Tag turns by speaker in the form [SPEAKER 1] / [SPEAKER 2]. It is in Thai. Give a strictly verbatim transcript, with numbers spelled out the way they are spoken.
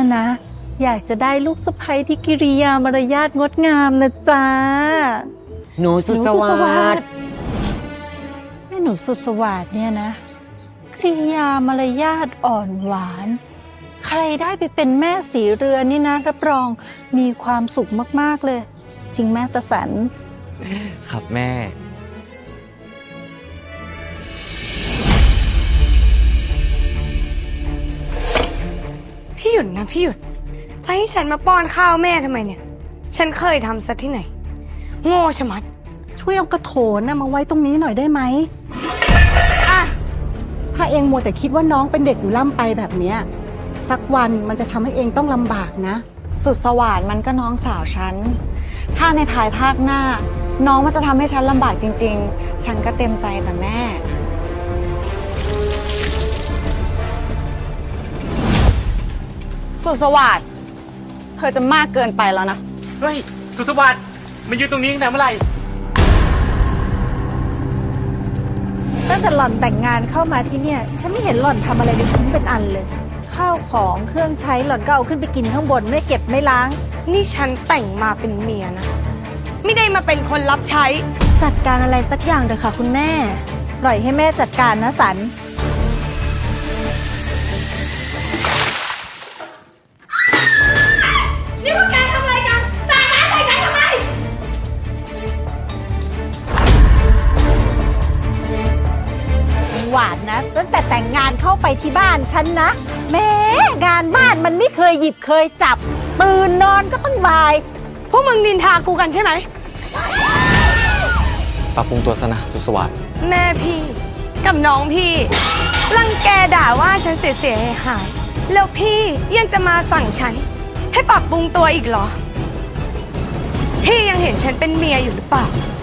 [SPEAKER 1] นะ อยากจะได้ลูกสะใภ้ที่กิริยามารยาทงดงามนะจ๊ะ
[SPEAKER 2] หนูสุดสวัสดิ์
[SPEAKER 1] แม่หนูสุดสวัสดิ์เนี่ยนะกิริยามารยาทอ่อนหวาน ใครได้ไปเป็นแม่สีเรือนนี่นะรับรองมีความสุขมากๆเลย จริงแม่ตาสัน
[SPEAKER 2] ครับแม่
[SPEAKER 3] พี่หยุดนะพี่หยุดจะให้ฉันมาป้อนข้าวแม่ทำไมเนี่ย ฉันเคยทำซะที่ไหน โง่ชะมัด
[SPEAKER 4] ช่วยเอากระโถนนะมาไว้ตรงนี้หน่อยได้ไหม
[SPEAKER 3] อ่ะ
[SPEAKER 4] ถ้าเองมัวแต่คิดว่าน้องเป็นเด็กอยู่ล่ำไปแบบเนี้ยสักวันมันจะทำให้เองต้องลำบากนะ
[SPEAKER 5] สุดสว่านมันก็น้องสาวฉัน ถ้าในภายภาคหน้า น้องมันจะทำให้ฉันลำบากจริงๆ ฉันก็เต็มใจจ้ะแม่ สุดสวัสดเธอจะมากเกินไปแล้วนะ
[SPEAKER 6] เฮ้ย สุดสวัสดิ์มันยืนตรงนี้ตั้งแต่เมื่อไหร่
[SPEAKER 1] ตั้งแต่หล่อนแต่งงานเข้ามาที่เนี่ยฉันไม่เห็นหล่อนทำอะไรเป็นชิ้นเป็นอันเลย ข้าวของเครื่องใช้หล่อนก็เอาขึ้นไปกินข้างบนไม่เก็บไม่ล้าง
[SPEAKER 3] นี่ฉันแต่งมาเป็นเมียนะ ไม่ได้มาเป็นคนรับใช้
[SPEAKER 5] จัดการอะไรสักอย่างเถอะค่ะคุณแม่
[SPEAKER 1] ปล่อยให้แม่จัดการนะสัน
[SPEAKER 3] นี่พวกแกทำอะไรกันสาดน้ำใส่ฉันทำไม
[SPEAKER 1] หวานนะตั้งแต่แต่งงานเข้าไปที่บ้านฉันนะแม้งานบ้านมันไม่เคยหยิบเคยจับตื่นนอนก็ต้องบ่าย
[SPEAKER 3] พวกมึงนินทากูกันใช่ไหม
[SPEAKER 2] ปรับปรุงตัวซะนะสุดสวัสดิ์
[SPEAKER 3] แม่พี่กับน้องพี่รังแกด่าว่าฉันเสียๆหายๆแล้วพี่ยังจะมาสั่งฉัน ให้ปรับปรุงตัวอีกเหรอ พี่ยังเห็นฉันเป็นเมียอยู่หรือเปล่า